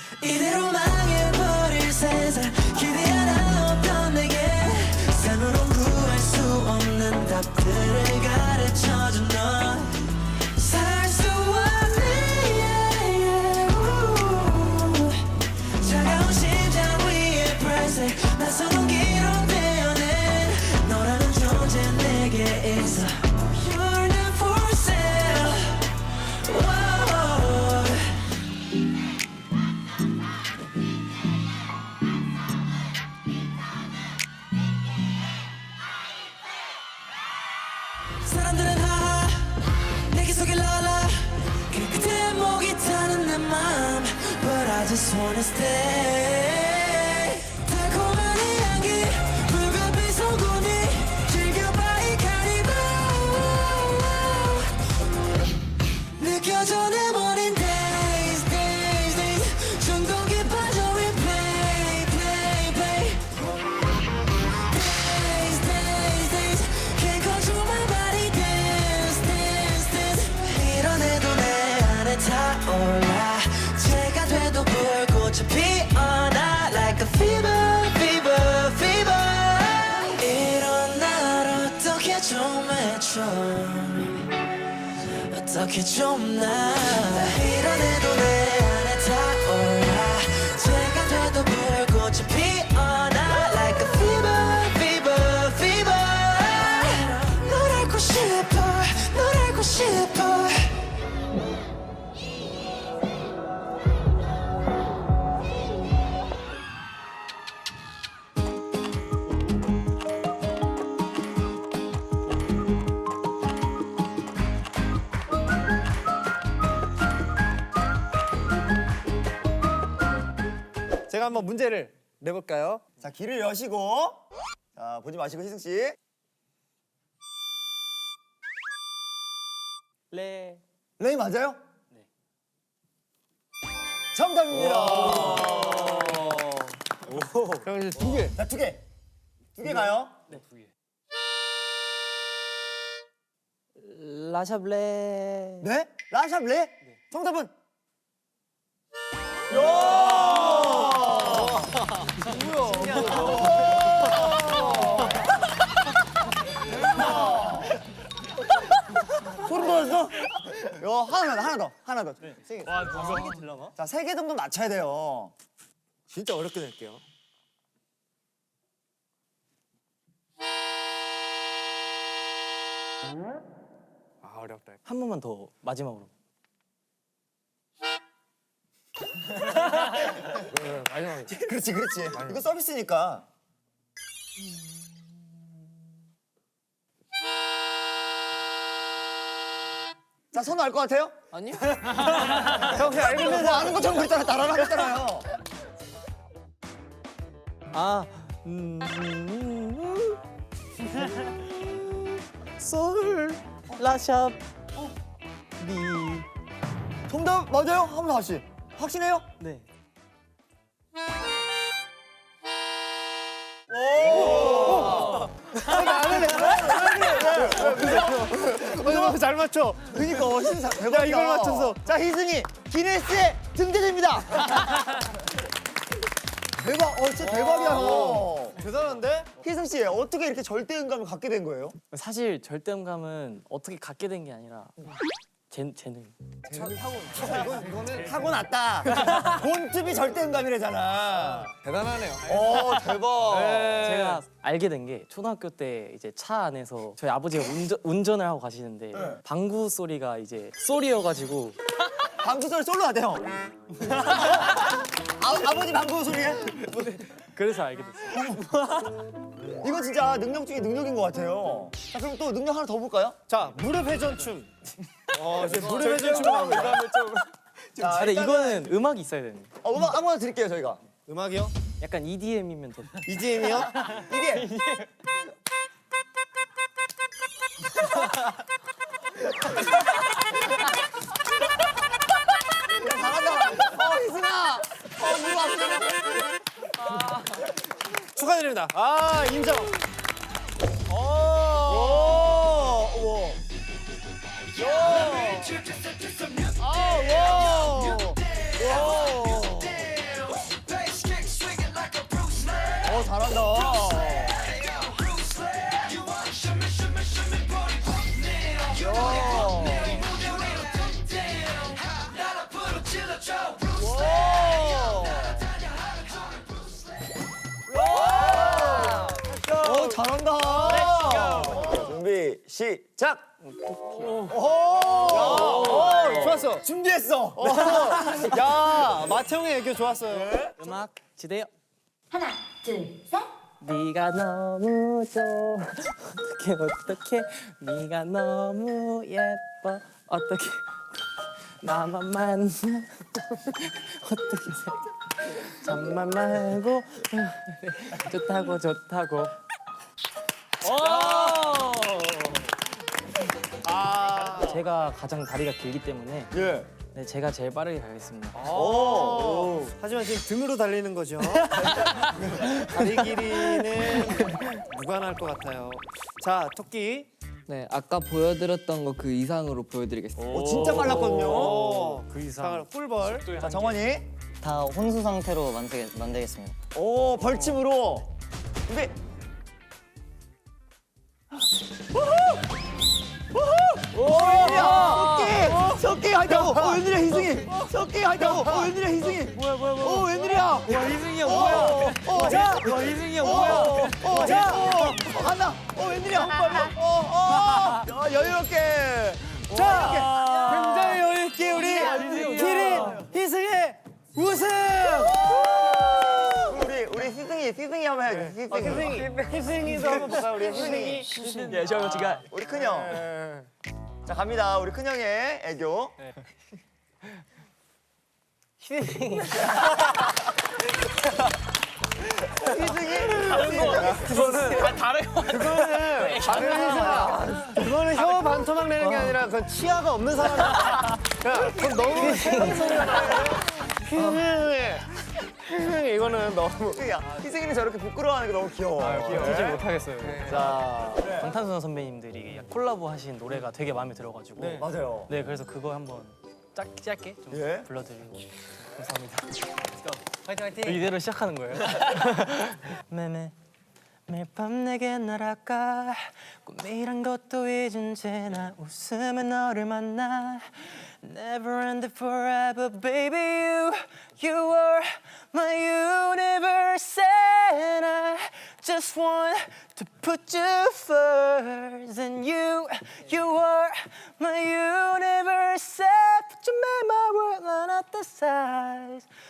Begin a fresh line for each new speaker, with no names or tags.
이대로 망해버릴 세상 기대 하나 없던 내게 삶으로 구할 수 없는 답들을 가르쳐준 너 살 수 없네 차가운 심장 위에 발색 낯선 기로 되어낸 너라는 존재 내게 있어 You're not for sale 사람들은 하하 내게 속일 라라 그 끝에 목이 타는 내 맘 But I just wanna stay 달콤한 이 향기 불가피 소금이 즐겨봐 이 카니발 느껴져 내 머린 days days days 중독에 빠져 replay play play days days days can't control my body dance dance dance 밀어내도 내 안에 타올라 제가 돼도 불꽃이 피어나 like a fever fever fever 이런 날 어떻게 좀 해줘 어떻게 좀 나 밀어내도 내 안에 타올라 제가 돼도 불꽃이 피어나 like a fever fever fever 널 알고 싶어 널 알고 싶어
제가 한번 문제를 내볼까요?
자, 귀를 여시고. 자, 보지 마시고 희승 씨.
레.
레이 맞아요? 네. 정답입니다.
그럼 이제 두 개.
자, 두 개. 두 개 가요.
네, 두 개.
라샤블레.
네? 라샵 레? 정답은? 소름 돋았어? 요 하나 더. 세 개.
와, 누가 세개 들려나?
자, 세 개 정도 맞춰야 돼요.
진짜 어렵게 낼게요. 아, 어렵다.
한 번만 더 마지막으로.
마지막에.
그렇지. 이거 서비스니까. 자, 선우 알 것 같아요?
아니요?
형 그냥 알면서 아는 것처럼 그랬잖아. 따라라 했잖아요.
아, 솔, 라샵, 미.
정답 맞아요? 한 번 다시. 확신해요?
네.
잘 맞춰.
그니까 희승 대박이다.
이걸 맞춰서.
자, 희승이 기네스에 등재됩니다. 대박. 진짜 대박이야. 너.
대단한데?
희승 씨 어떻게 이렇게 절대음감을 갖게 된 거예요?
사실 절대음감은 어떻게 갖게 된 게 아니라 재능.
이거는 타고났다. 본투비 절대음감이래잖아.
대단하네요.
대박.
제가 알게 된 게 초등학교 때 이제 차 안에서 저희 아버지가 운전을 하고 가시는데 방구 소리가 이제 소리여가지고
방구 소리 솔로 하대요. 아버지 방구 소리에?
그래서 알게 됐어요.
이거 진짜 능력 중에 능력인 것 같아요. 자, 그럼 또 능력 하나 더 볼까요?
자, 무릎 회전춤. 이제 무릎 회전춤 하고 이거는 좀
자,
근데
일단은
이거는 음악이 있어야 되는.
음악 아무거나 드릴게요, 저희가.
음악이요?
약간 EDM이면 더.
EDM이요?
이게 잘한다. 희승아. 누가
축하드립니다. 아, 인정.
잘한다. 오, 잘한다.
준비 시작.
좋았어. 준비했어. 야, 마태형의 애교 좋았어요.
음악 지대요.
하나, 둘, 셋.
네가 너무 좋아. 어떻게 네가 너무 예뻐. 어떻게 나만 만나. 어떻게 잠만 말고 좋다고 좋다고. 제가 가장 다리가 길기 때문에
예.
네, 제가 제일 빠르게 가겠습니다.
하지만 지금 등으로 달리는 거죠. 다리 길이는 무관할 것 같아요. 자, 토끼.
네, 아까 보여드렸던 거 그 이상으로 보여드리겠습니다.
진짜 빨랐거든요.
그 이상. 꿀벌.
자, 정원이.
다 혼수 상태로 만들겠습니다.
오, 벌침으로. 준비. 오, 석기 하이다고. 웬일이야 희승이. 석기 하이다고. 웬일이야 희승이. 뭐야. 웬일이야.
와 희승이 형 뭐야?
자,
와 희승이 형 뭐야?
자, 간다. 웬일이야. 빨리. 여유롭게. 자,
굉장히 여유있게 우리 기린 희승의 우승!
우리 희승이 한번 해야지.
희승이도 한번 볼까요? 우리 희승이.
예, 저 지금
우리 큰형. 자, 갑니다. 우리 큰형의 애교.
그거는 혀 반토막 내는 게 아니라 그건 치아가 없는 사람이야. 그건 너무 심한 소리가 나요. 희승이 이거는 너무.
희승이는 저렇게 부끄러워하는 게 너무 귀여워.
진짜 못하겠어요. 자, 방탄소년 선배님들이 콜라보 하신 노래가 되게 마음에 들어가지고
맞아요.
네, 그래서 그거 한번 짧게 좀
예.
불러드리고 감사합니다. 화이팅! 이대로 시작하는 거예요. 매매 매일 밤 내게 날아가 꿈이란 것도 잊은 채 나 웃으며 너를 만나 Never ended forever baby you are my universe and I just want to put you first and you are my universe put you made my world not the size